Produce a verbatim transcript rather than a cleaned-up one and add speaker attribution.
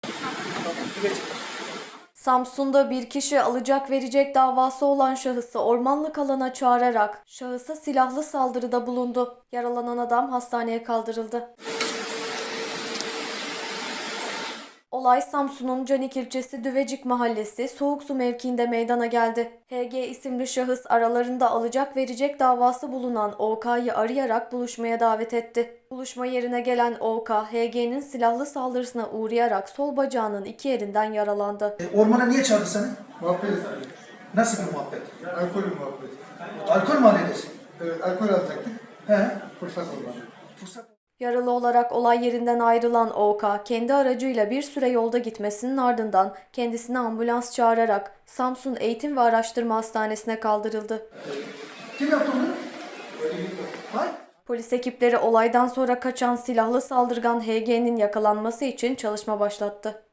Speaker 1: Samsun'da bir kişi alacak verecek davası olan şahısı ormanlık alana çağırarak şahısa silahlı saldırıda bulundu. Yaralanan adam hastaneye kaldırıldı. Olay Samsun'un Canik ilçesi Düvecik Mahallesi Soğuksu mevkiinde meydana geldi. H G isimli şahıs aralarında alacak verecek davası bulunan O K'yı arayarak buluşmaya davet etti. Buluşma yerine gelen O K, H G'nin silahlı saldırısına uğrayarak sol bacağının iki yerinden yaralandı.
Speaker 2: E, ormana niye çağırdı seni?
Speaker 3: Muhabbet istedim.
Speaker 2: Nasıl bir muhabbet?
Speaker 3: Alkol muhabbeti.
Speaker 2: Alkol mü halledesi?
Speaker 3: Evet, alkol alacaktık.
Speaker 2: He.
Speaker 3: Fırsat olmadı.
Speaker 2: Fırsat.
Speaker 1: Yaralı olarak olay yerinden ayrılan O K, kendi aracıyla bir süre yolda gitmesinin ardından kendisine ambulans çağırarak Samsun Eğitim ve Araştırma Hastanesi'ne kaldırıldı.
Speaker 2: Kim yaptı onu? Hayır.
Speaker 1: Polis ekipleri olaydan sonra kaçan silahlı saldırgan H G'nin yakalanması için çalışma başlattı.